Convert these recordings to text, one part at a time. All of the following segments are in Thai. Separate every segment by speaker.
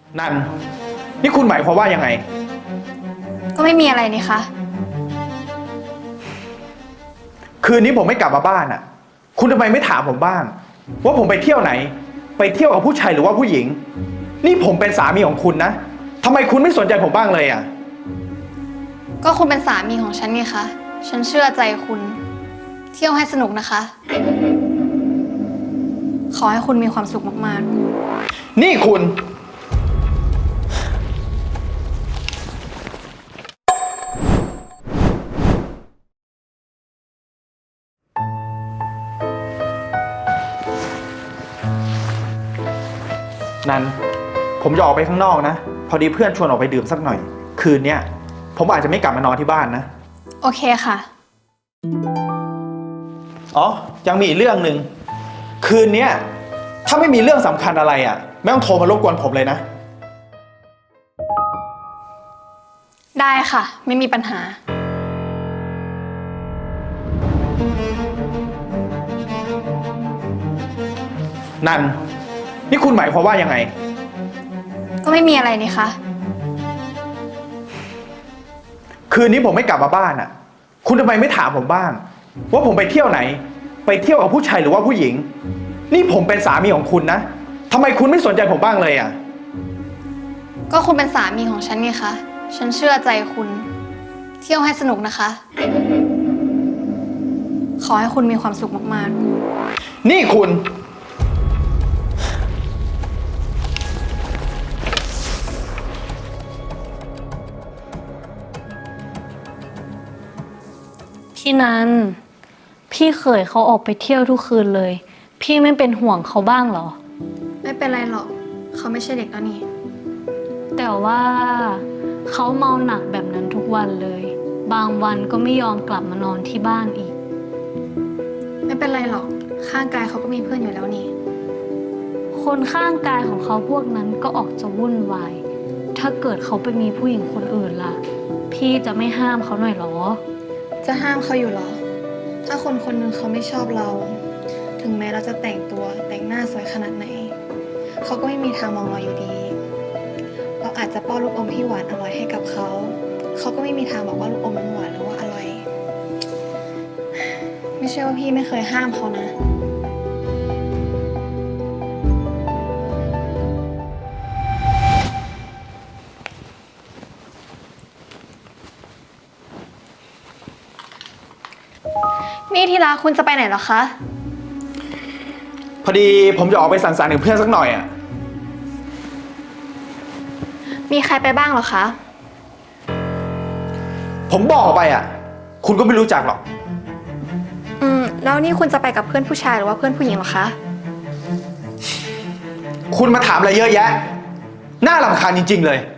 Speaker 1: นันนี่คุณหมายความว่ายังไง
Speaker 2: ก็ไม่มีอะไรนี่คะ
Speaker 1: คืนนี้ผมไม่กลับมาบ้านอ่ะคุณทำไมไม่ถามผมบ้างว่าผมไปเที่ยวไหนไปเที่ยวกับผู้ชายหรือว่าผู้หญิงนี่ผมเป็นสามีของคุณนะทำไมคุณไม่สนใจผมบ้างเลยอ่ะ
Speaker 2: ก็คุณเป็นสามีของฉันไงคะฉันเชื่อใจคุณเที่ยวให้สนุกนะคะขอให้คุณมีความสุขมาก
Speaker 1: นี่คุณนันผมจะออกไปข้างนอกนะพอดีเพื่อนชวนออกไปดื่มสักหน่อยคืนเนี้ยผมอาจจะไม่กลับมานอนที่บ้านนะ
Speaker 2: ๆโอเคค่ะ
Speaker 1: อ๋อยังมีอีกเรื่องหนึ่งคืนเนี้ยถ้าไม่มีเรื่องสำคัญอะไรอ่ะไม่ต้องโทรมารบกวนผมเลยนะ
Speaker 2: ได้ค่ะไม่มีปัญหา
Speaker 1: นันนี่คุณหมายความว่ายังไง
Speaker 2: ก็ไม่มีอะไรนี่คะ
Speaker 1: คืนนี้ผมไม่กลับมาบ้านอ่ะคุณทำไมไม่ถามผมบ้างว่าผมไปเที่ยวไหนไปเที่ยวกับผู้ชายหรือว่าผู้หญิงนี่ผมเป็นสามีของคุณนะทำไมคุณไม่สนใจผมบ้างเลยอ่ะ
Speaker 2: ก็คุณเป็นสามีของฉันไงคะฉันเชื่อใจคุณเที่ยวให้สนุกนะคะขอให้คุณมีความสุขมาก
Speaker 1: ๆนี่คุณ
Speaker 3: พี่นันพี่เขยเขาออกไปเที่ยวทุกคืนเลยพี่ไม่เป็นห่วงเขาบ้างเหรอ
Speaker 2: ไม่เป็นไรหรอกเขาไม่ใช่เด็กแล้วนี่
Speaker 3: แต่ว่าเขาเมาหนักแบบนั้นทุกวันเลยบางวันก็ไม่ยอมกลับมานอนที่บ้านอีก
Speaker 2: ไม่เป็นไรหรอกข้างกายเขาก็มีเพื่อนอยู่แล้วนี่
Speaker 3: คนข้างกายของเขาพวกนั้นก็ออกจะวุ่นวายถ้าเกิดเขาไปมีผู้หญิงคนอื่นล่ะพี่จะไม่ห้ามเขาหน่อยหรอ
Speaker 2: จะห้ามเขาอยู่หรอถ้าคนคนหนึ่งเขาไม่ชอบเราถึงแม้เราจะแต่งตัวแต่งหน้าสวยขนาดไหนเขาก็ไม่มีทางมองเราอยู่ดีเราอาจจะป้อนลูกอมที่หวานอร่อยให้กับเขาเขาก็ไม่มีทางบอกว่าลูกอมมันหวานหรือว่าอร่อยไม่ใช่ว่าพี่ไม่เคยห้ามเขานะนี่ที่รักคุณจะไปไหนเหรอคะ
Speaker 1: พอดีผมจะออกไปสังสรรค์กับเพื่อนสักหน่อยอ่ะ
Speaker 2: มีใครไปบ้างเหรอคะ
Speaker 1: ผมบอกไปอ่ะคุณก็ไม่รู้จักหรอก
Speaker 2: แล้วนี่คุณจะไปกับเพื่อนผู้ชายหรือว่าเพื่อนผู้หญิงเหรอคะ
Speaker 1: คุณมาถามอะไรเยอะแยะน่ารำคาญจริงๆเลย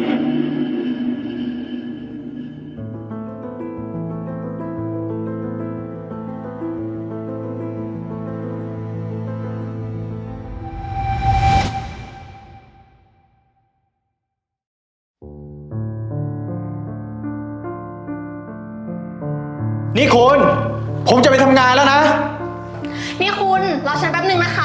Speaker 1: นี่คุณผมจะไปทำงานแล้วนะ
Speaker 2: นี่คุณรอฉันแป๊บนึงนะคะ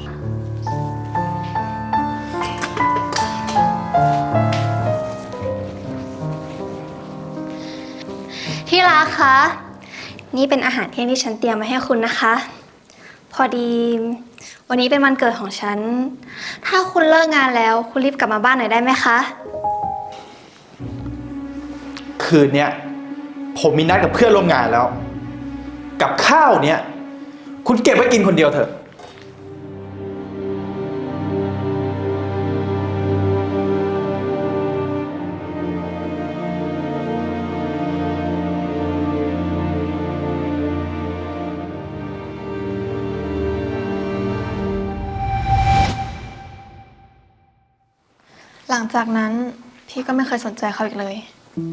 Speaker 2: ที่รักคะนี่เป็นอาหารเที่ยงที่ฉันเตรียมมาให้คุณนะคะ พอดีวันนี้เป็นวันเกิดของฉัน ถ้าคุณเลิกงานแล้วคุณรีบกลับมาบ้านหน่อยได้ไหมคะ
Speaker 1: คืนเนี้ยผมมีนัดกับเพื่อนร่วมงานแล้วกับข้าวเนี้ยคุณเก็บไว้กินคนเดียวเถอะ
Speaker 2: หลังจากนั้นพี่ก็ไม่เคยสนใจเขาอีกเลย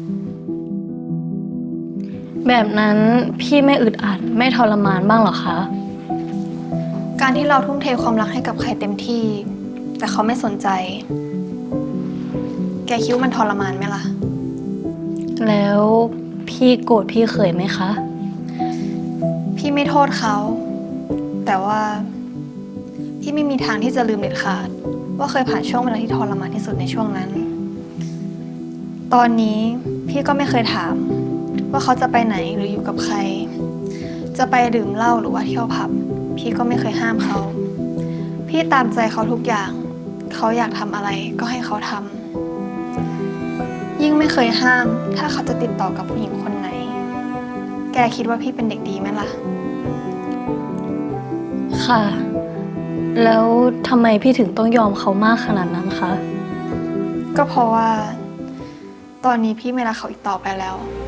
Speaker 3: แบบนั้นพี่ไม่อึดอัดไม่ทรมานบ้างเหรอคะ
Speaker 2: การที่เราทุ่มเทความรักให้กับใครเต็มที่แต่เขาไม่สนใจแกคิดว่ามันทรมานไหมล่ะ
Speaker 3: แล้วพี่โกรธพี่เขยไหมคะ
Speaker 2: พี่ไม่โทษเขาแต่ว่าพี่ไม่มีทางที่จะลืมเด็ดขาดว่าเคยผ่านช่วงเวลาที่ทรมานที่สุดในช่วงนั้น ตอนนี้พี่ก็ไม่เคยถามว่าเขาจะไปไหนหรืออยู่กับใคร จะไปดื่มเหล้าหรือว่าเที่ยวผับ พี่ก็ไม่เคยห้ามเขา พี่ตามใจเขาทุกอย่าง เขาอยากทำอะไรก็ให้เขาทำยิ่งไม่เคยห้ามถ้าเขาจะติดต่อกับผู้หญิงคนไหน แกคิดว่าพี่เป็นเด็กดีไหมล่ะ
Speaker 3: ค่ะ แล้วทำไมพี่ถึงต้องยอมเขามากขนาดนั้นคะ
Speaker 2: ก็เพราะว่า ตอนนี้พี่ไม่รักเขาอีกต่อไปแล้ว พ